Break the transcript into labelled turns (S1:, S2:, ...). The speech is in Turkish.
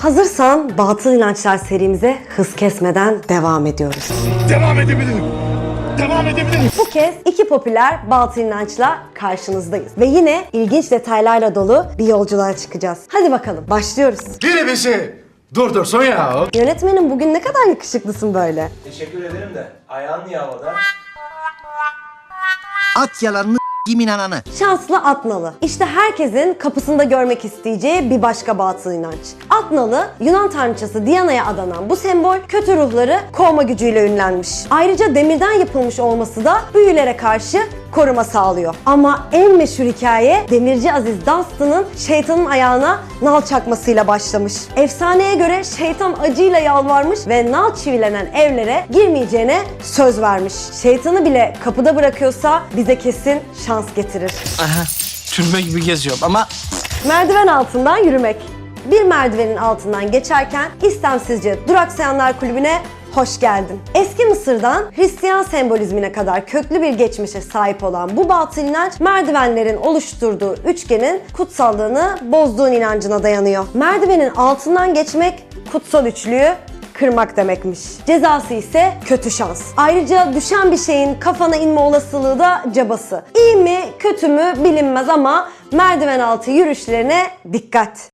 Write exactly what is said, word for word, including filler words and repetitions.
S1: Hazırsan Batıl İnançlar serimize hız kesmeden devam ediyoruz.
S2: Devam edebilirim. Devam edebilirim.
S1: Bu kez iki popüler batıl inançla karşınızdayız. Ve yine ilginç detaylarla dolu bir yolculuğa çıkacağız. Hadi bakalım başlıyoruz.
S2: Biri bizi durdursun ya.
S1: Yönetmenim bugün ne kadar yakışıklısın böyle.
S3: Teşekkür ederim de ayağın niye havada?
S4: At yalanını kimin ananı.
S1: Şanslı Atnalı. İşte herkesin kapısında görmek isteyeceği bir başka batıl inanç. Atnalı, Yunan tanrıçası Diana'ya adanan bu sembol kötü ruhları kovma gücüyle ünlenmiş. Ayrıca demirden yapılmış olması da büyülere karşı koruma sağlıyor. Ama en meşhur hikaye Demirci Aziz Dunstan'ın şeytanın ayağına nal çakmasıyla başlamış. Efsaneye göre şeytan acıyla yalvarmış ve nal çivilenen evlere girmeyeceğine söz vermiş. Şeytanı bile kapıda bırakıyorsa bize kesin şans getirir.
S4: Aha, türbe gibi geziyorum ama
S1: Merdiven altından yürümek. Bir merdivenin altından geçerken istemsizce duraksayanlar kulübüne hoş geldin. Eski Mısır'dan Hristiyan sembolizmine kadar köklü bir geçmişe sahip olan bu batıl inanç, merdivenlerin oluşturduğu üçgenin kutsallığını bozduğun inancına dayanıyor. Merdivenin altından geçmek kutsal üçlüyü kırmak demekmiş. Cezası ise kötü şans. Ayrıca düşen bir şeyin kafana inme olasılığı da cabası. İyi mi kötü mü bilinmez ama merdiven altı yürüyüşlerine dikkat.